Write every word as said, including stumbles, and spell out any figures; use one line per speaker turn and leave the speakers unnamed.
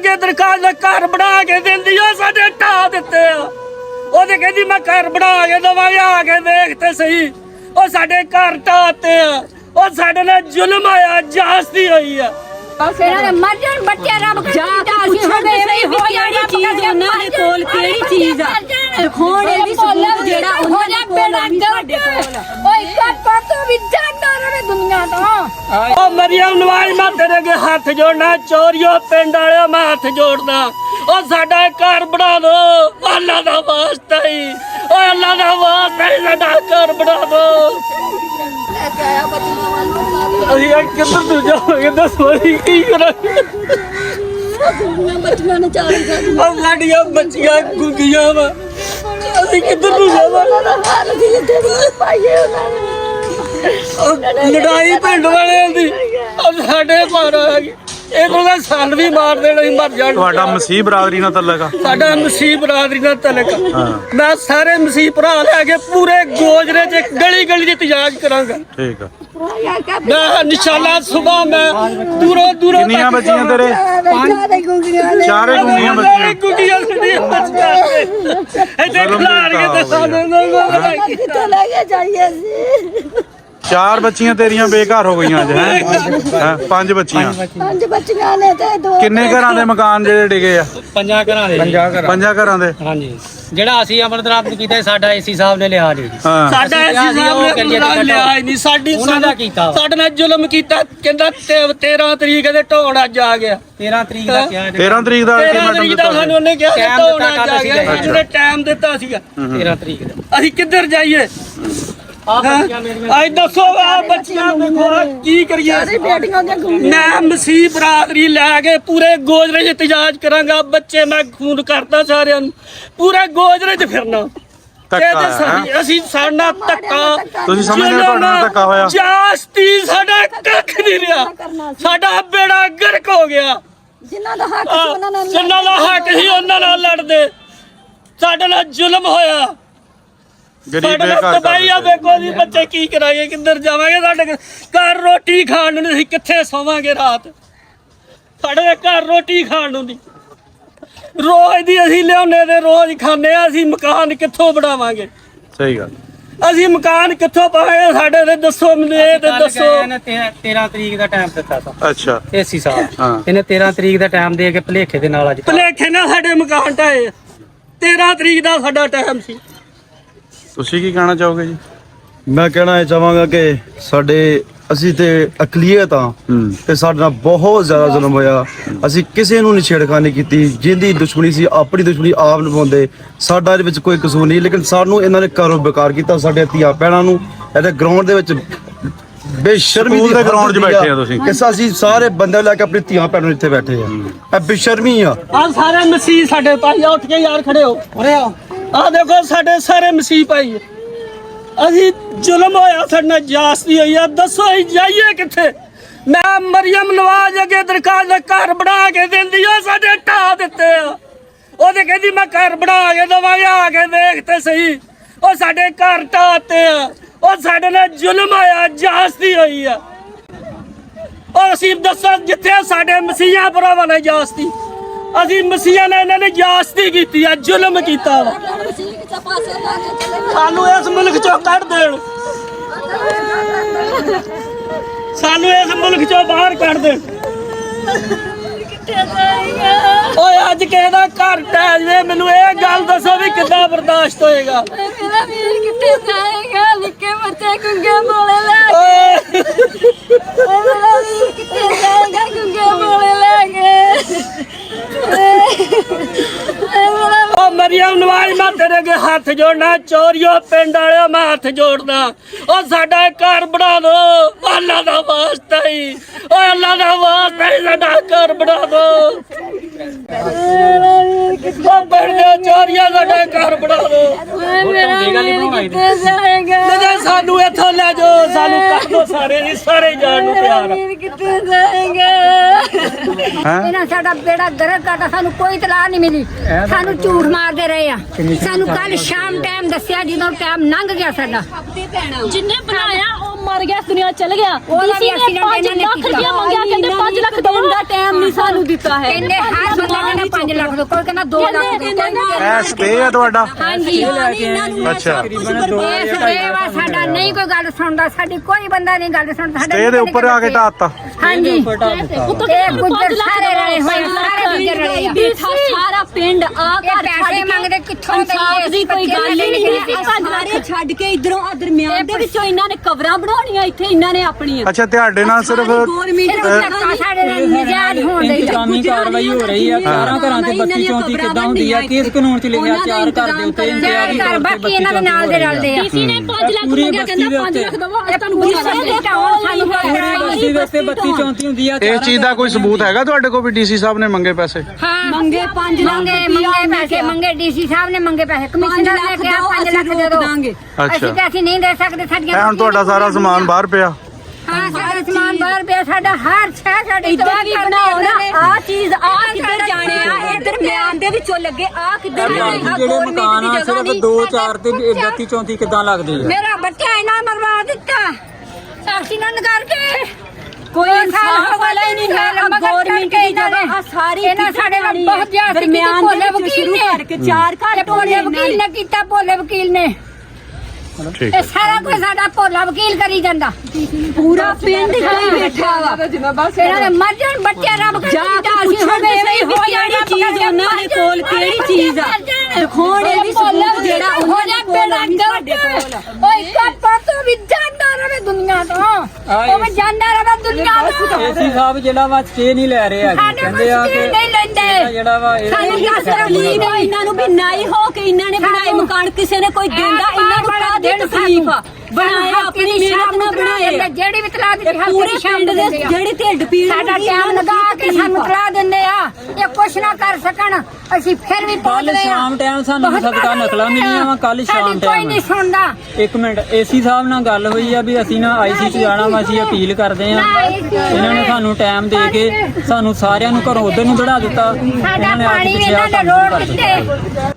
अगे दरखास्त घर बना के देंदी साडे ढा दिते ओदे कहंदी मैं घर बना के दवांगे आके देख ते सही ओ साडे घर ढाते ओ साडे नाल जुल्म होया जास्ती होई है
मर्जन बच्चे रब जाती हो जानी चीज उन्हां दे कोल केड़ी चीज आ दिखाउण दी सबूत जेड़ा उन्हां दे कोल नहीं साडे कोल ओए इक्का पतो भी जाना रे दुनिया तो
ओ मरियम नवाज मैं तेरे अगे हाथ जोड़ना चोरियो पिंड वाले मैं हाथ जोड़ना ओ साडा घर बना दो अल्लाह दा वास्ता ही ओ अल्लाह दा वास्ता ही साडा घर बना दो ਅਸੀਂ ਕਿੱਧਰ ਨੂੰ ਜਾਵਾਂਗੇ ਦੱਸੋ ਅਸੀਂ ਕੀ ਕਰਾਂਗੇ
ਬੱਚੀਆਂ ਨੇ ਚਾਰ
ਆ ਸਾਡੀਆਂ ਬੱਚੀਆਂ ਗੁੱਗੀਆਂ ਵਾ ਅਸੀਂ ਕਿੱਧਰ ਨੂੰ ਜਾਵਾਂਗੇ ਲੜਾਈ ਪਿੰਡ ਵਾਲਿਆਂ ਦੀ ਸਾਡੇ ਪਰ ਆ ਗਈ ਇਹ ਕੋਲ ਸਨ ਵੀ ਮਾਰ ਦੇਣਾ ਹੀ ਮਰ ਜਾਣ
ਤੁਹਾਡਾ ਮਸੀਹ ਬਰਾਦਰੀ ਨਾਲ ਤਲਕ ਆ
ਸਾਡਾ ਮਸੀਹ ਬਰਾਦਰੀ ਨਾਲ ਤਲਕ ਮੈਂ ਸਾਰੇ ਮਸੀਹ ਭਰਾ ਲੈ ਕੇ ਪੂਰੇ ਗੋਜਰੇ ਚ ਗਲੀ ਗਲੀ ਚ ਇਤਜਾਜ ਕਰਾਂਗਾ
ਠੀਕ ਆ
मैं इंशाल्लाह सुबह मैं दूरों दूरों
कितनियां बच्चियां तेरे
ਚਾਰੇ ਗੁੰਗੀਆਂ ਨੇ
चारे गुंगियां बच्चियां
गुड़िया
ਕਿੱਥੇ ਲੈ ਕੇ ਜਾਈਏ ਸੀ
चार बच्चियां तेरियां बेघर हो गई अज है पांच बच्चियां
ਪੰਜ ਬੱਚੀਆਂ ਨੇ ਤੇ ਦੋ
किन्ने घरां दे मकान जेडे डिगे आ
ਪੰਜਾਂ ਘਰਾਂ ਦੇ
पंजा घरां दे
ਹਾਂਜੀ ਜਿਹੜਾ ਅਸੀਂ ਅਮਰਨਾਥ ਨੂੰ ਕੀਤਾ ਸਾਡਾ ਏਸੀ ਸਾਹਿਬ ਨੇ ਲਿਆ ਨਹੀਂ
हां
साडा ऐसी साहब ने लिया नहीं साडी
ਉਹਨਾਂ ਦਾ ਕੀਤਾ
ਸਾਡੇ ਨਾਲ ਜ਼ੁਲਮ ਕੀਤਾ ਕਹਿੰਦਾ तेरह तरीक ਦੇ ਢੋਣ ਅੱਜ ਆ ਗਿਆ
ਤੇਰਾਂ ਤਰੀਕ ਦਾ ਕਿਹਾ
तेरह तरीक दा
तेरह
अल्टीमेटम
तरीक ਦਾ ਸਾਨੂੰ ਉਹਨੇ ਕਿਹਾ
ਟਾਈਮ
ਢੋਣ
ਦਿੱਤਾ
ਅੱਜ ਆ ਗਿਆ ਇਹਨੇ ਟਾਈਮ ਦਿੱਤਾ ਸੀਗਾ
ਤੇਰਾਂ ਤਰੀਕ ਦਾ
ਅਸੀਂ ਕਿੱਧਰ ਜਾਈਏ
ਆ ਬੱਚੀਆਂ ਮੇਰੀਆਂ
ਅੱਜ ਦੱਸੋ ਆ ਬੱਚਿਆਂ ਦੇਖੋ ਕੀ ਕਰੀਏ
ਬੇਟੀਆਂ ਦੀਆਂ ਗੁੰਗੀਆਂ
ਮੈਂ ਮਸੀਹ ਬਰਾਦਰੀ ਲੈ ਕੇ ਪੂਰੇ ਗੋਜਰੇ 'ਚ ਇਤਜਾਜ ਕਰਾਂਗਾ ਬੱਚੇ ਮੈਂ ਖੂਨ ਕਰਤਾ ਸਾਰਿਆਂ ਨੂੰ ਪੂਰੇ ਗੋਜਰੇ 'ਚ ਫਿਰਨਾ
ਧੱਕਾ ਹੈ
ਅਸੀਂ ਸਾਡਾ ਧੱਕਾ
ਤੁਸੀਂ ਸਮਝਦੇ ਹੋ ਤੁਹਾਡੇ ਨਾਲ ਧੱਕਾ ਹੋਇਆ
ਜਾਸਤੀ ਸਾਡਾ ਕੱਖ ਨਹੀਂ ਰਿਹਾ ਸਾਡਾ ਬੇੜਾ ਗਰਕ ਹੋ ਗਿਆ
ਜਿਨ੍ਹਾਂ ਦਾ ਹੱਕ ਸੀ ਉਹਨਾਂ ਨਾਲ
ਜਿਨ੍ਹਾਂ ਦਾ ਹੱਕ ਸੀ ਉਹਨਾਂ ਨਾਲ ਲੜਦੇ ਸਾਡੇ ਨਾਲ ਜ਼ੁਲਮ ਹੋਇਆ
गरीब
ਸਾਡੇ ਨਾਲ
बेघर
ਤਬਾਹੀ ਆ ਵੇਖੋ ਜੀ ਬੱਚੇ ਕੀ ਕਰਾਂਗੇ ਕਿੱਧਰ ਜਾਵਾਂਗੇ ਸਾਡੇ ਘਰ ਰੋਟੀ ਖਾਣ ਨੂੰ ਨਹੀਂ ਅਸੀਂ ਕਿੱਥੇ ਸੋਵਾਂਗੇ ਰਾਤ ਸਾਡੇ ਘਰ ਰੋਟੀ ਖਾਣ ਨੂੰ ਨਹੀਂ ਰੋਜ਼ ਦੀ ਅਸੀਂ ਲਿਆਉਣੇ ਤੇ ਰੋਜ਼ ਖਾਂਦੇ ਆ ਅਸੀਂ ਮਕਾਨ ਕਿੱਥੋਂ ਬਣਾਵਾਂਗੇ
सही गल
ਅਸੀਂ ਮਕਾਨ ਕਿੱਥੋਂ ਪਾਵਾਂਗੇ ਸਾਡੇ ਤੇ ਦੱਸੋ ਮੈਨੂੰ ਇਹ ਤੇ ਦੱਸੋ
ਇਹਨੇ ਤੇਰਾਂ ਤਰੀਕ ਦਾ ਟਾਈਮ ਦਿੱਤਾ ਸੀ
अच्छा
ਏਸੀ ਸਾਹਿਬ
ਹਾਂ
ਇਹਨੇ ਤੇਰਾਂ ਤਰੀਕ ਦਾ ਟਾਈਮ ਦੇ ਕੇ ਭਲੇਖੇ ਦੇ ਨਾਲ ਅੱਜ
ਭਲੇਖੇ ਨਾਲ ਸਾਡੇ ਮਕਾਨ ਢਾਏ तेरह ਤਰੀਕ ਦਾ ਸਾਡਾ ਟਾਈਮ ਸੀ
ਤੁਸੀਂ ਕੀ ਕਹਿਣਾ ਚਾਹੋਗੇ ਜੀ
ਮੈਂ ਕਹਿਣਾ ਇਹ ਚਾਹਾਂਗਾ ਕਿ ਸਾਡੇ ਅਸੀਂ ਤੇ ਅਕਲੀਅਤ ਆ ਤੇ ਸਾਡੇ ਨਾਲ ਬਹੁਤ ਜ਼ਿਆਦਾ ਜ਼ੁਲਮ ਹੋਇਆ ਅਸੀਂ ਕਿਸੇ ਨੂੰ ਨਹੀਂ ਛੇੜਖਾਨੀ ਕੀਤੀ ਜਿੰਦੀ ਦੁਸ਼ਮਣੀ ਸੀ ਆਪਣੀ ਦੁਸ਼ਮਣੀ ਆਪ ਨਿਭਾਉਂਦੇ ਸਾਡਾ ਇਹਦੇ ਵਿੱਚ ਕੋਈ ਕਸੂਰ ਨਹੀਂ ਲੇਕਿਨ ਸਾਨੂੰ ਇਹਨਾਂ ਨੇ ਘਰੋਂ ਬੇਕਾਰ ਕੀਤਾ ਸਾਡੇ ਧੀਆਂ ਭੈਣਾਂ ਨੂੰ ਇਹਦੇ ਗਰਾਊਂਡ ਦੇ ਵਿੱਚ ਬੇਸ਼ਰਮੀ
ਸਕੂਲ
ਦੀ
ਦੇ
ਹੱਦ
ground 'ਚ
ਦੀ
ਬੈਠੇ
ਆ।
ਆ ਤੁਸੀਂ।
ਇਸ ਅਸੀਂ ਸਾਰੇ ਬੰਦੇ ਲੈ ਕੇ ਆਪਣੀ ਧੀਆਂ ਭੈਣਾਂ ਨੂੰ ਇੱਥੇ ਬੈਠੇ ਆ ਇਹ ਬੇਸ਼ਰਮੀ ਆ
ਆ ਸਾਰੇ ਮਸੀਹ ਸਾਡੇ ਭਾਈ ਉੱਠ ਕੇ ਯਾਰ ਖੜੇ ਹੋ ਉਰੇ ਆ ਆ ਦੇਖੋ ਸਾਡੇ ਸਾਰੇ ਮਸੀਹ ਭਾਈ ਅਸੀਂ ਜ਼ੁਲਮ ਹੋਇਆ ਸਾਡੇ ਨਾਲ ਜਾਸਤੀ ਹੋਈ ਆ ਦੱਸੋ ਅਸੀਂ ਜਾਈਏ ਕਿੱਥੇ ਮੈਂ ਮਰੀਮ ਨਵਾਜ਼ ਅਗੇ ਦਰਖਾਸਤ ਘਰ ਬਣਾ ਕੇ ਦਿੰਦੀ ਆ ਸਾਡੇ ਢਾ ਦਿੱਤੇ ਆ ਉਹਦੇ ਕਹਿੰਦੀ ਮੈਂ ਘਰ ਬਣਾ ਕੇ ਦਵਾਂਗੇ ਆ ਕੇ ਦੇਖ ਤੇ ਸਹੀ ਉਹ ਸਾਡੇ ਘਰ ਢਾਤੇ ਆ ਉਹ ਸਾਡੇ ਨਾਲ ਜ਼ੁਲਮ ਹੋਇਆ ਜਾਸਤੀ ਹੋਈ ਆ ਉਹ ਅਸੀਂ ਦੱਸੋ ਜਿੱਥੇ ਸਾਡੇ ਮਸੀਹਾਂ ਭਰਾਵਾਂ ਨੇ ਜਾਸਤੀ ਅਸੀਂ ਮਸੀਹਾਂ ਨੇ ਇਹਨਾਂ ਨੇ ਜਾਸਤੀ ਕੀਤੀ ਆ ਜ਼ੁਲਮ ਕੀਤਾ ਵਾ ਸਾਨੂੰ ਇਸ ਮੁਲਕ ਚੋਂ ਕੱਢ ਦੇਣ ਸਾਨੂੰ ਇਸ ਮੁਲਕ ਚੋਂ ਬਾਹਰ ਕੱਢ ਦੇਣ ਓਏ ਅੱਜ ਕਿਸੇ ਦਾ ਘਰ ਟਹਿ ਜਵੇ ਮੈਨੂੰ ਇਹ ਗੱਲ ਦੱਸੋ ਵੀ ਕਿੱਦਾਂ ਬਰਦਾਸ਼ਤ ਹੋਏਗਾ
ਮੇਰਾ ਵੀਰ ਕਿੱਥੇ ਜਾਏਗਾ ਨਿੱਕੇ ਬੱਚੇ ਗੁੰਗੇ ਮੋਲੇ ਲੈ ਕੇ ਮੇਰਾ ਵੀਰ ਕਿੱਥੇ ਜਾਏਗਾ ਗੁੰਗੇ ਮੋਲੇ ਲੈ ਕੇ
ओ मरियम नवाज मैं तेरे अगे हाथ जोड़ना चोरियो पिंड वाले मैं हाथ जोड़ना ओ साडा घर बना दो अल्लाह दा वास्ता ही ओ अल्लाह दा वास्ता ही साडा घर बना दो ओ पिंड दे चोरिया साडा घर बना दो
मेरा ਵੀਰ ਕਿੱਥੇ ਜਾਏਗਾ
ले सानू इथों ले जाओ सानू कर दो सारे जी सारे जान नू
ਮੇਰਾ
प्यार
ਵੀਰ ਕਿੱਥੇ ਜਾਏਗਾ ਇਹਨਾਂ ਸਾਡਾ ਬੇੜਾ ਗਰਕ ਕਰਤਾ ਸਾਨੂੰ ਕੋਈ ਤਲਾਹ ਨਹੀਂ ਮਿਲੀ ਸਾਨੂੰ ਝੂਠ ਮਾਰਦੇ ਰਹੇ ਆ ਸਾਨੂੰ ਕੱਲ ਸ਼ਾਮ ਟਾਈਮ ਦੱਸਿਆ ਜਦੋਂ ਟਾਈਮ ਲੰਘ ਗਿਆ ਸਾਡਾ
ਜਿੰਨੇ ਬਣਾਇਆ ਉਹ
ਮਰ ਗਿਆ, ਇਸ ਦੁਨੀਆ ਚਲ ਗਿਆ।
ਉਹਦਾ ਵੀ
ਡੀਸੀ ਨੇ ਪੰਜ
accident
ਲੱਖ ਰੁਪਇਆ ਮੰਗਿਆ, ਕਹਿੰਦੇ ਪੰਜ ਲੱਖ ਦੇਣ ਦਾ ਟਾਈਮ ਨਹੀਂ ਸਾਨੂੰ ਦਿੱਤਾ ਹੈ।
ਕਹਿੰਦੇ ਹਰ ਬੰਦਾ ਕਹਿੰਦਾ ਪੰਜ ਲੱਖ ਦੋ, ਕੋਈ ਕਹਿੰਦਾ ਦੋ ਲੱਖ ਦੋ।
ਇਹ ਸਟੇ ਹੈ ਤੁਹਾਡਾ?
ਹਾਂਜੀ
ਅੱਛਾ,
ਇਹ ਸੇਵਾ ਸਾਡਾ ਨਹੀਂ ਕੋਈ ਗੱਲ ਸੁਣਦਾ, ਸਾਡੀ ਕੋਈ ਬੰਦਾ ਨਹੀਂ ਗੱਲ ਸੁਣਦਾ।
ਸਟੇ ਦੇ ਉੱਪਰ ਆ ਕੇ ਢਾਤਾ।
ਹਾਂਜੀ
ਉੱਤੋਂ
ਇਹ ਗੁੱਜਰ ਸਾਰੇ ਰਲੇ ਹੋਏ, ਸਾਰੇ ਗੁੱਜਰ ਰਲੇ ਆ।
ਸਾਰਾ ਪਿੰਡ ਆ
ਇਹ
ਘਰ
ਪੈਸੇ ਮੰਗਦੇ ਕਿੱਥੋਂ
ਇਨਸਾਫ ਦੀ ਕੋਈ ਗੱਲ ਹੀ ਨਹੀਂ ਹੈ। ਸਾਰੇ ਛੱਡ ਕੇ ਇਧਰੋਂ ਆ ਦਰਮਿਆਨ ਦੇ ਵਿੱਚੋਂ ਇਹਨਾਂ ਨੇ ਕਬਰਾਂ ਬਣਾਉਣੀਆਂ, ਇੱਥੇ ਇਹਨਾਂ ਨੇ ਆਪਣੀਆਂ।
ਅੱਛਾ, ਤੁਹਾਡੇ ਨਾਲ ਸਿਰਫ
ਸਾਡੇ ਨਾਲ ਨਜਾਇਜ਼ ਹੋਣ ਦੇ
ਇੰਤਜ਼ਾਮੀ ਕਾਰਵਾਈ ਹੋ ਰਹੀ ਆ। ਚਾਰਾਂ ਘਰਾਂ ਤੇ ਬੱਤੀ ਚੌਂਤੀ ਕਿੱਦਾਂ ਹੁੰਦੀ ਆ? ਕਿਸ ਕਾਨੂੰਨ ਚ ਲਿਖਿਆ ਚਾਰ ਘਰ ਦੇ ਉੱਤੇ ਇੰਤਜ਼ਾਮੀ
ਘਰ ਬਾਕੀ ਇਹਨਾਂ ਦੇ ਨਾਲ ਦੇ ਰਲਦੇ ਆ।
ਡੀਸੀ ਨੇ ਪੰਜ ਲੱਖ ਮੰਗਿਆ, ਕਹਿੰਦਾ ਪੰਜ ਲੱਖ ਦਵੋ। ਤੁਹਾਨੂੰ
ਪੂਰੀ
ਬਸਤੀ ਦੇ ਉੱਤੇ ਬੱਤੀ ਚੌਂਤੀ ਹੁੰਦੀ ਆ।
ਇਸ ਚੀਜ਼ ਦਾ ਕੋਈ ਸਬੂਤ ਹੈਗਾ ਤੁਹਾਡੇ ਕੋਲ ਵੀ ਡੀਸੀ ਸਾਹਿਬ ਨੇ ਮੰਗੇ ਪੈਸੇ?
ਹਾਂ
ਮੰਗੇ ਪੰਜ ਲੱਖ
ਮੰਗੇ ਮੰਗੇ ਪੈਸੇ ਮੰਗੇ, ਡੀਸੀ ਸਾਹਿਬ ਨੇ ਮੰਗੇ ਪੈਸੇ, ਕਮਿਸ਼ਨਰ ਨੇ ਕਿਹਾ ਪੰਜ ਲੱਖ ਦੇ ਦੋ। ਅਸੀਂ ਤਾਂ ਅਸੀਂ ਨਹੀਂ ਦੇ ਸਕਦੇ, ਸਾਡੀਆਂ
ਇਹ ਹੁਣ ਤੁਹਾਡਾ ਸਾਰਾ ਸਮਾਨ ਬਾਹਰ ਪਿਆ।
ਹਾਂ ਸਾਡਾ ਸਮਾਨ ਬਾਹਰ ਪਿਆ, ਸਾਡਾ ਹਰ ਸ਼ੈ ਸਾਡੀ
ਇੱਦਾਂ ਵੀ ਬਣਾਓ ਨਾ, ਆ ਚੀਜ਼ ਆ ਕਿੱਧਰ ਜਾਣੇ ਆ, ਇਹ ਦਰਮਿਆਨ ਦੇ ਵਿੱਚੋਂ ਲੱਗੇ ਆ ਕਿੱਧਰ ਜਾਣੇ ਆ।
ਜਿਹੜੇ ਮਕਾਨ ਆ ਸਿਰਫ ਦੋ ਚਾਰ ਤੇ ਬੱਤੀ ਚੌਂਤੀ ਕਿੱਦਾਂ ਲੱਗਦੀ ਆ?
ਮੇਰਾ ਬੱਚਾ ਇਹਨਾਂ ਮਰਵਾ ਦਿੱਤਾ ਐਕਸੀਡੈਂਟ ਕਰਕੇ।
ਕੋਈ ਇਨਸਾਫ ਵਾਲਾ ਹੀ ਨਹੀਂ ਹੈ। ਗਵਰਨਮੈਂਟ ਦੀ ਜਗ੍ਹਾ ਆ ਸਾਰੀ
ਇਹਨਾਂ ਸਾਡੇ ਨਾਲ ਬਹੁਤ ਜ਼ਿਆਦਾ
ਦਰਮਿਆਨ
ਭੋਲੇ
ਦੇ
ਵਕੀਲ
ਸ਼ੁਰੂ
ਨੇ
ਕਰਕੇ ਚਾਰ ਘਰ
ਭੋਲੇ ਵਕੀਲ ਨੇ ਕੀਤਾ, ਭੋਲੇ ਵਕੀਲ ਨੇ
ਠੀਕ
ਇਹ ਸਾਰਾ ਕੁਝ ਸਾਡਾ ਭੋਲਾ ਵਕੀਲ ਕਰੀ ਜਾਂਦਾ।
ਪੂਰਾ ਪਿੰਡ ਹੀ ਬੈਠਾ ਵਾ।
ਇਹਨਾਂ ਦੇ ਮਰ ਜਾਣ ਬੱਚੇ, ਰੱਬ
ਜਾ ਕੇ ਪੁੱਛੋ ਵੀ ਸਹੀ ਵੀ ਕਿਹੜੀ ਚੀਜ਼ ਉਹਨਾਂ ਦੇ ਕੋਲ ਕਿਹੜੀ ਚੀਜ਼ ਆ। ਦਿਖਾਉਣ ਇਹ ਵੀ ਸਬੂਤ ਜਿਹੜਾ ਉਹਨਾਂ ਦੇ ਕੋਲ ਆ, ਨਹੀਂ ਸਾਡੇ ਕੋਲ ਆ।
ਓਏ ਕੱਪਾ ਤੋਂ ਵੀ ਜਾਂਦਾ ਰਵੇ ਦੁਨੀਆ ਤੋਂ, ਉਹ ਵੀ ਜਾਂਦਾ ਰਵੇ ਦੁਨੀਆ ਤੋਂ।
ਏਸੀ ਸਾਹਿਬ ਜਿਹੜਾ ਵਾ ਸਟੇ ਨਹੀਂ ਲੈ ਰਹੇ ਹੈਗੇ।
ਸਾਡੇ
ਕਹਿੰਦੇ ਆ
ਮੁਸ਼ਕਿਲ
ਕਿ
ਨਹੀਂ ਲੈਂਦੇ।
ਜਿਹੜਾ ਵਾ ਇਹ
ਸਾਨੂੰ ਦੱਸ
ਤਕਲੀਫ ਆ ਇਹਨਾਂ ਨੂੰ ਵੀ ਨਾਈ ਹੋ ਕੇ ਇਹਨਾਂ ਨੇ ਬਣਾਏ ਮਕਾਨ, ਕਿਸੇ ਨੇ ਕੋਈ ਦਿੰਦਾ ਇਹਨਾਂ ਨੂੰ ਕਾਹਦੀ ਤਕਲੀਫ ਆ। ਬਣਾਏ ਆਪਣੀ ਮਿਹਨਤ ਨਾਲ ਬਣਾਏ,
ਜਿਹੜੀ ਵੀ ਤਲਾ ਦਿੱਤੀ
ਪੂਰੇ ਪਿੰਡ ਦੇ ਜਿਹੜੀ ਢਿੱਡ ਪੀੜ
ਸਾਡਾ ਟਾਈਮ ਲਗਾ ਕੇ ਸਾਨੂੰ ਤਲਾ ਦਿੰਦੇ ਆ, ਇਹ ਕੁਛ ਨਾ ਕਰ ਸਕਣ, ਅਸੀਂ ਫਿਰ ਵੀ
ਕੱਲ
ਪਹੁੰਚਦੇ ਆ।
ਸ਼ਾਮ ਟਾਈਮ ਸਾਨੂੰ ਸਦਕਾ ਨਕਲਾਂ ਮਿਲੀਆਂ ਵਾ। ਕੱਲ ਸ਼ਾਮ
ਸਾਡੀ ਕੋਈ
ਟਾਈਮ
ਨਹੀਂ ਸੁਣਦਾ।
ਇੱਕ ਮਿੰਟ, ਏਸੀ ਸਾਹਿਬ ਨਾਲ ਗੱਲ ਹੋਈ ਆ ਵੀ ਅਸੀਂ ਨਾ ਆਈਸੀ ਚ ਜਾਣਾ ਵਾ, ਅਸੀਂ ਅਪੀਲ ਕਰਦੇ ਆ। ਇਹਨਾਂ ਨੇ ਸਾਨੂੰ ਟਾਈਮ ਦੇ ਕੇ ਸਾਨੂੰ ਸਾਰਿਆਂ ਨੂੰ ਘਰੋਂ ਉਧਰ ਨੂੰ ਦੜਾ ਦਿੱਤਾ।
ਸਾਡਾ
ਇਹਨਾਂ ਨੇ ਆ
ਪਾਣੀ
ਕੇ
ਵੀ
ਪਿੱਛੇ ਆ
ਇਹਨਾਂ ਨੇ
ਕੰਮ
ਰੋਡ
ਕਰ ਦਿੱਤਾ।
ਦਿੱਤੇ।